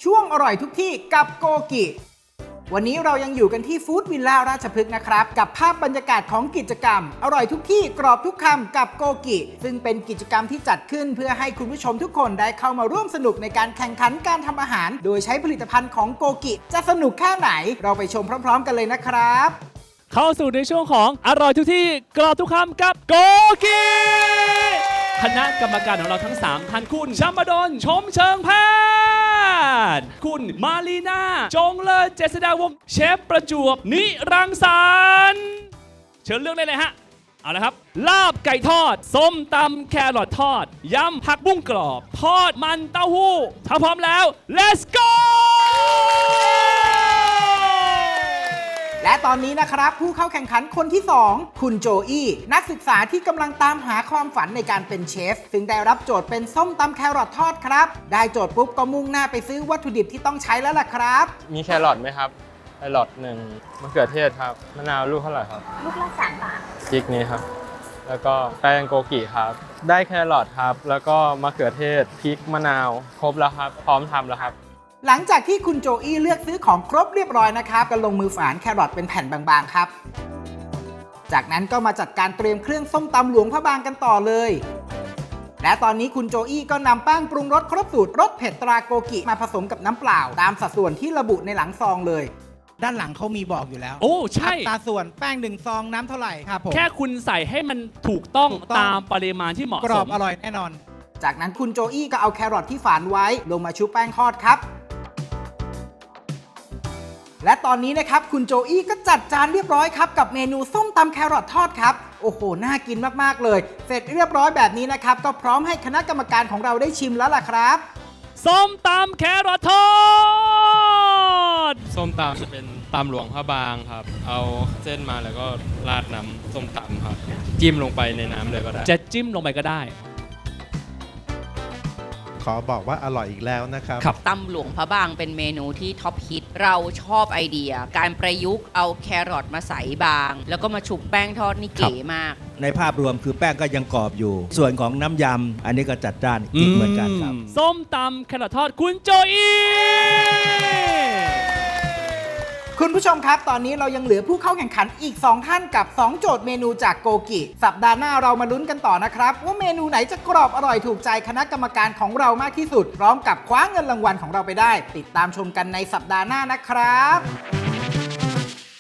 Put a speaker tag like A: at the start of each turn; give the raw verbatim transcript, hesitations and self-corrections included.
A: ช่วงอร่อยทุกที่กับโกกิวันนี้เรายังอยู่กันที่ฟู้ดวิลล่าราชพฤกษ์นะครับกับภาพบรรยากาศของกิจกรรมอร่อยทุกที่กรอบทุกคำกับโกกิซึ่งเป็นกิจกรรมที่จัดขึ้นเพื่อให้คุณผู้ชมทุกคนได้เข้ามาร่วมสนุกในการแข่งขันการทำอาหารโดยใช้ผลิตภัณฑ์ของโกกิจะสนุกแค่ไหนเราไปชมพร้อมๆกันเลยนะครับ
B: เข้าสู่ในช่วงของอร่อยทุกที่กรอบทุกคำกับโกกิคณะกรรมการของเราทั้งสามท่านคุณชัมบดลชมเชิงแพทย์คุณมารีนาจงเลิศเจษฎาวงศ์เชฟประจวบนิรังสรรค์เชิญเลือกได้เลยฮะเอาละครับลาบไก่ทอดส้มตำแครอททอดยำผักบุ้งกรอบทอดมันเต้าหู้ถ้าพร้อมแล้ว let's go
A: และตอนนี้นะครับผู้เข้าแข่งขันคนที่สองคุณโจอี้นักศึกษาที่กำลังตามหาความฝันในการเป็นเชฟซึ่งได้รับโจทย์เป็นส้มตำแครอททอดครับได้โจทย์ปุ๊บก็มุ่งหน้าไปซื้อวัตถุดิบที่ต้องใช้แล้วล่ะครับ
C: มีแครอทไหมครับแครอทหนึ่งมะเขือเทศครับมะนาวลูกเท่าไหร่ครับ
D: ลูกละสามบาท
C: พริกนี้ครับแล้วก็แป้งโกกิครับได้แครอทครับแล้วก็มะเขือเทศพริกมะนาวครบแล้วครับพร้อมทำแล้วครับ
A: หลังจากที่คุณโจอี้เลือกซื้อของครบเรียบร้อยนะครับก็ลงมือฝานแครอทเป็นแผ่นบางๆครับจากนั้นก็มาจัดการเตรียมเครื่องส้มตำหลวงพระบางกันต่อเลยและตอนนี้คุณโจอี้ก็นำแป้งปรุงรสครบสูตรรสเผ็ดตราโกกิมาผสมกับน้ำเปล่าตามสัดส่วนที่ระบุในหลังซองเลยด้านหลังเขามีบอกอยู่แล้ว
B: โอ้ใช่
A: อัตราส่วนแป้งหนึ่งซองน้ำเท่าไหร่ครับผม
B: แค่คุณใส่ให้มันถูกต้องตามปริมาณที่เหมาะสม
A: กรอบอร่อยแน่นอนจากนั้นคุณโจอี้ก็เอาแครอทที่ฝานไว้ลงมาชุบแป้งทอดครับและตอนนี้นะครับคุณโจอี้ก็จัดจานเรียบร้อยครับกับเมนูส้มตำแครอททอดครับโอ้โหน่ากินมากๆเลยเสร็จเรียบร้อยแบบนี้นะครับก็พร้อมให้คณะกรรมการของเราได้ชิมแล้วล่ะครับ
B: ส้มตำแครอททอด
C: ส้มตำจะเป็นตำหลวงพระบางครับเอาเส้นมาแล้วก็ราดน้ำส้มตำครับจิ้มลงไปในน้ำเลยก็ได้
B: จะจิ้มลงไปก็ได้
E: ขอบอกว่าอร่อยอีกแล้วนะครับ
D: ตำหลวงพระบางเป็นเมนูที่ท็อปฮิตเราชอบไอเดียการประยุกต์เอาแครอทมาใส่บางแล้วก็มาชุบแป้งทอดนี่เก๋มาก
F: ในภาพรวมคือแป้งก็ยังกรอบอยู่ส่วนของน้ำยำอันนี้ก็จัดจ้านอีกเหมือนกันครับ
B: ส้มตำแครอททอดคุณโจอี้
A: คุณผู้ชมครับตอนนี้เรายังเหลือผู้เข้าแข่งขันอีกสองท่านกับสองโจทย์เมนูจากโกกิสัปดาห์หน้าเรามาลุ้นกันต่อนะครับว่าเมนูไหนจะกรอบอร่อยถูกใจคณะกรรมการของเรามากที่สุดพร้อมกับคว้าเงินรางวัลของเราไปได้ติดตามชมกันในสัปดาห์หน้านะครับ